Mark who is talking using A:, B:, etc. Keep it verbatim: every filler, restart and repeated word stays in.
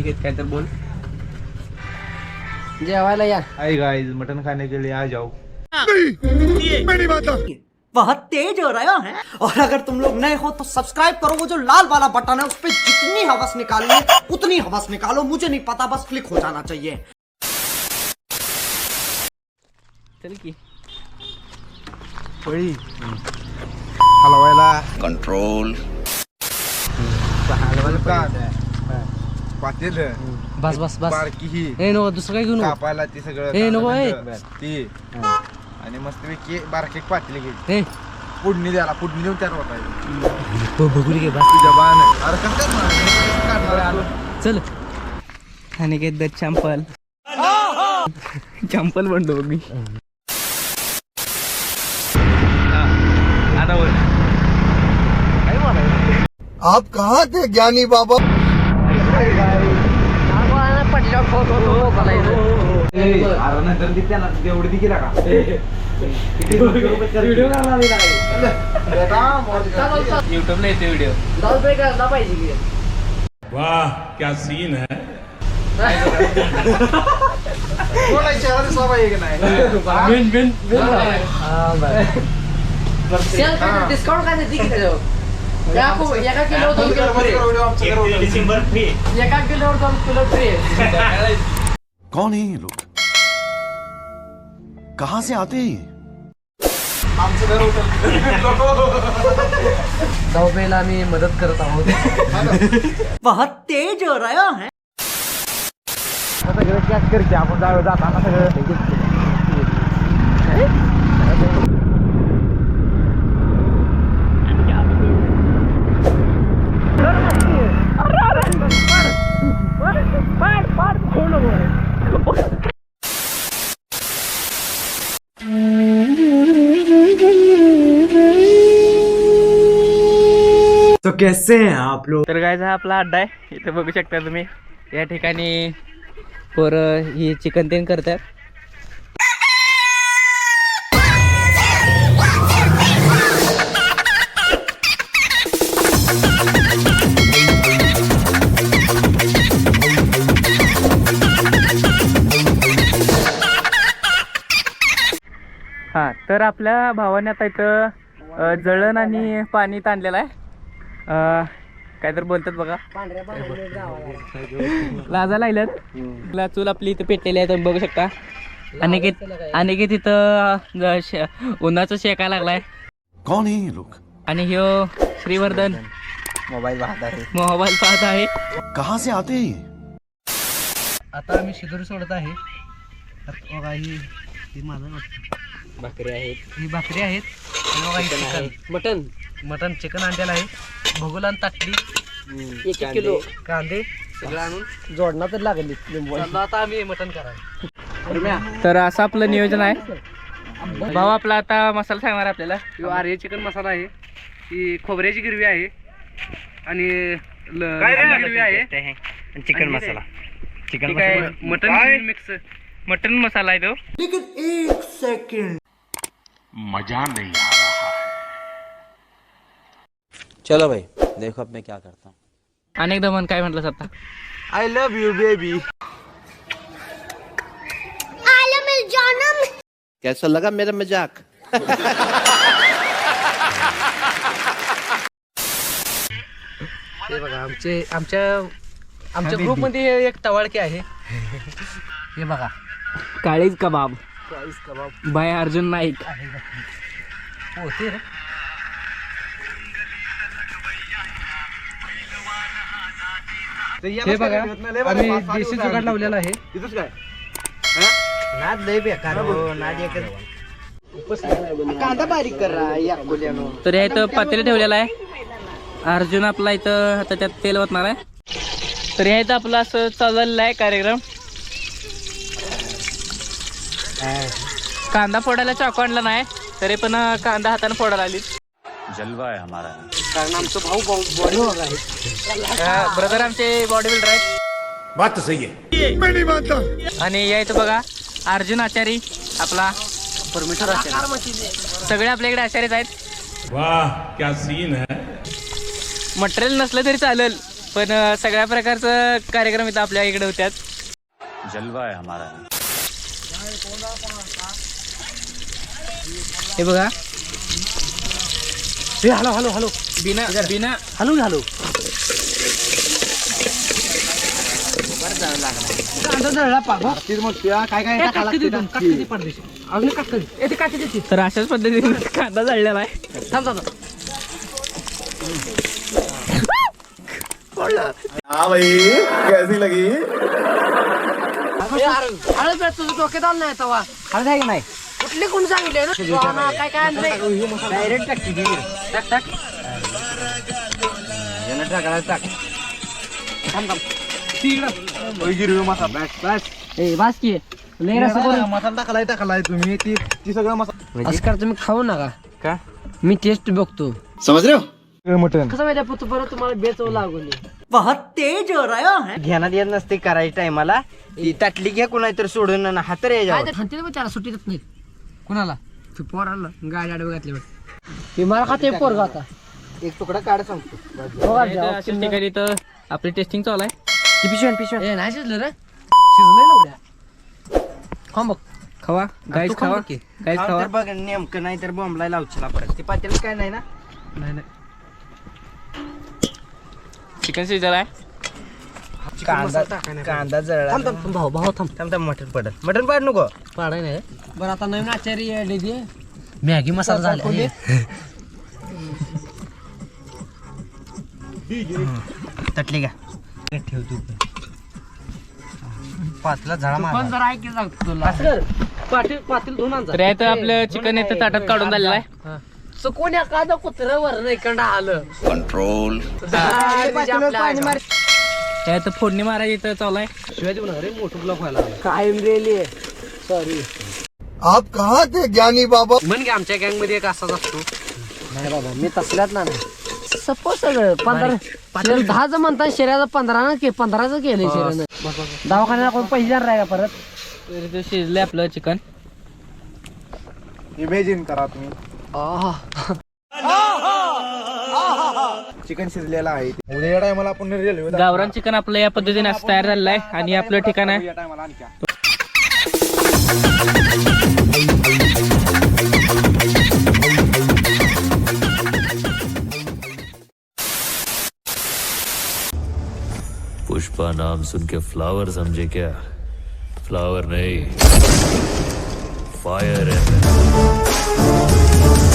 A: अनिकेत काय तर बोल. जेवायला या.
B: हाय गाइस, मटन खाने के लिए आ जाओ.
C: बहुत तेज हो रहा है और अगर तुम लोग नए हो तो सब्सक्राइब करो. वो जो लाल वाला बटन है उस पर जितनी हवस निकालनी है उतनी हवस निकालो. मुझे नहीं पता, बस क्लिक हो जाना चाहिए.
A: चल की
B: पोळी हलवायला
D: कंट्रोल.
B: पातेल
A: बस बस बस.
B: बारकी ही
A: ए नको दुसरं काय घेऊ नको.
B: कापायला ती सगळं
A: ए, नको, ए.
B: ती आणि मस्तपैकी बारकी पातेल घ्यायची.
A: ए
B: फोडणी द्यायला फोडणी देऊन त्यावर वाटायची.
A: बघू घे बस.
B: तुझ्या बाण अरे कसं काढणार.
A: चल अनिकेत द चंपल चंपल म्हणतो बघ मी.
D: आप कहाँ थे ज्ञानी बाबा?
A: युट्यूबला येते व्हिडिओ.
E: वाह क्या सीन है.
A: डिस्काउंट काय देते एका किलो दोन किलो फ्री.
E: December free.
A: एका किलो दोन किलो फ्री.
D: कौन है ये लोग? कहाँ से आते हैं?
A: धावपेला आम्ही मदत करत आहोत.
C: बहुत तेज हो रहा है.
B: सगळं कॅच करते आपण जाऊ जाताना सगळं.
C: तो कैसे हैं आप लोग?
A: तर गायचा हा आपला अड्डा आहे. इथे बघू शकता तुम्ही या ठिकाणी पोरं ही चिकन तेन करतात. हा तर आपल्या भावाने आता इथं अ, जळण आणि पाणी ताणलेलं आहे. अ, काय तर बोलतात बघा. लाजा लागल्यात. चूल आपली इथं पेटलेली आहे तुम्ही बघू शकता. अनिकेत अनिकेत इथं अ, शे- उन्हाचं शेकायला लागलाय.
D: कौन है ये लोग?
A: आणि ह्यो श्रीवर्धन
B: मोबाईल पाहत आहे.
A: मोबाईल पाहत आहे.
D: कहाँ से आते हैं ये?
A: आता आम्ही शिदोरी सोडत आहे. बघा ही ही माझं भाकरी आहेत. ही भाकरी आहेत. आणि बघा ही चिकन मटन मटन चिकन आणलेलं आहे. भगुलान ताटली एक एक किलो कांदे सगळं आणून जोडणं तर लागली. आता आम्ही मटन करायला. तर असं आपलं नियोजन आहे. भाऊ आपला आता मसाला सांगणार आपल्याला. आर्य चिकन मसाला आहे. ही खोबऱ्याची गिरवी आहे आणि गिरवी आहे. Chicken masala chicken mutton mix mutton masala आहे तो.
C: लेकिन एक सेकंड,
E: मजा नहीं आ रहा है.
F: चलो भाई देखो अब मैं क्या करता हूँ.
A: अनेकदा मन काय म्हटलं आता.
B: I love you baby.
F: कैसा लगा मेरा मजाक?
A: हे बघा आमचे आमच्या आमच्या ग्रुप मध्ये एक टवाळकी आहे. हे बघा काळीज कबाब काळीज कबाब बाय अर्जुन नाईक. होते रे. हे बघा आम्ही देशी जुगाड लावलेला आहे.
B: तिथंच काय
C: नाद लय बेकार हो. नाद एक कांदा बारीक कर रहा है या कोल्यानो.
A: तर हे इथं पातेलं ठेवलेलं आहे. अर्जुन आपला इथं आता त्यात तेल ओतणार आहे. तर हे इथं आपलं असं चाललेलं आहे कार्यक्रम. कांदा फोडायला चाकू आणला नाही तरी पण कांदा हाताने फोडायला आली.
F: जलवा है हमारा.
C: कारण आमचं भाऊ बॉडी आहे.
A: ब्रदर आमचे बॉडी बिल्डर आहेत.
E: बात तो सही है. मैं नहीं मानता.
A: आणि या इथं बघा अर्जुन आचारी आपला परमेश्वर आचारी सगळे आपल्याकडे आचार्यच आहेत.
E: वाह क्या सीन है.
A: मटेरियल नसलं तरी चालेल
G: पण अं, सगळ्या प्रकारचं कार्यक्रम इथं आपल्या इकडे होत्यात.
F: जलवा है हमारा.
A: हे बघा. हे हॅलो हॅलो हॅलो
G: बिना बिना
A: हॅलो हॅलो काय काय
G: तर अशाच पद्धतीने कांदा जळलेला आहे.
A: थांब थांब
B: हाँ भाई कैसी लगी
A: हळद तुझं डोक्यात आलं नाही तवा हळद आहे की नाही कुठले कोण सांगितले ना काय काय डायरेक्ट टाक टाक टाक टाकायला टाक थांब थांब
B: गिरवी मसाला बस बस
A: ए बास की लय रस्सा करून
B: मसाला टाकलाय टाकलाय तुम्ही ती ती सगळं मसाला
A: असं करा तुम्ही खाऊ नका
G: का
A: मी टेस्ट बघतो
B: समझ रहे हो मटन
A: कसं माहिती पुत परत तुम्हाला बेचव लागून
C: बहुत तेज हो रहे हो हैं
H: घेण्यात येत नसते करायच्या टायमाला ती ताटली घ्या कुणा तर सोडून हात रे
A: काय ते म्हणते त्याला सुट्टी देत नाहीत कुणाला ते पोराला गाडी आडवे घातली बघ ते मला खाते पोरगा आता
H: एक तुकडा काढ सांगतो
G: अशाच ठिकाणी इथं आपली टेस्टिंग चालू आहे.
H: पिशव्या पिशव्या
A: ए नाही शिजलं रे शिजलंय लवड्या खाऊ बघ
G: खावा गाईस खावा गाईस खावा.
H: बघ नेमकं नाही तर बॉम्बला लावचला परत ते पातेल काय नाही ना
A: नाही नाही
G: चिकन शिजलं आहे.
H: कांदा कांदा जळला
A: थांब थांब भाऊ भाऊ थांब
H: थांब थांब मटन पडल मटन पाड नको
A: पाडाय नाही बरं आता नवीन आचार्य आले दे मॅगी मसाला झाला
H: ताटली घ्या ठेव तू पाचला झाडा
A: पण
H: मार
A: जरा ऐक सांगतो तुला पाटील पाटील धुवून आणजा
G: तर यात आपलं चिकन इथं ताटात काढून झालेलं आहे.
A: सो कोण एखादं कुत्र्यावर नाही कंडा आलं
D: कंट्रोल
G: त्यात फोडणी मारायची इथं चालू आहे.
A: शिवाय देऊ नका रे मोठं ब्लॉक व्हायला कायम रेली सॉरी
B: आप कहाँ थे ज्ञानी बाबा
A: म्हण की आमच्या गँग मध्ये एक असाच असतो नाही बाबा मी तसल्यात ना सपोज सगळं पंधरा दहाच म्हणता शरीराचं पंधरा ना के पंधराच केलंय शरीरानं दवाखान्याला कोण पैसे देणार आहे का परत
G: तर इथं शिजलंय आपलं चिकन.
B: इमेजिन करा तुम्ही
A: आह.
B: चिकन शिजलेला आहे उद्या या टायमाला आपण रेल्वे
G: गावरान चिकन आपलं या पद्धतीने असं तयार झालेलं आहे आणि आपलं ठिकाण आहे
B: या टायमाला आणखी
I: पुष्पा नाम सुन के फ्लावर समझे क्या? फ्लावर नहीं, फायर है.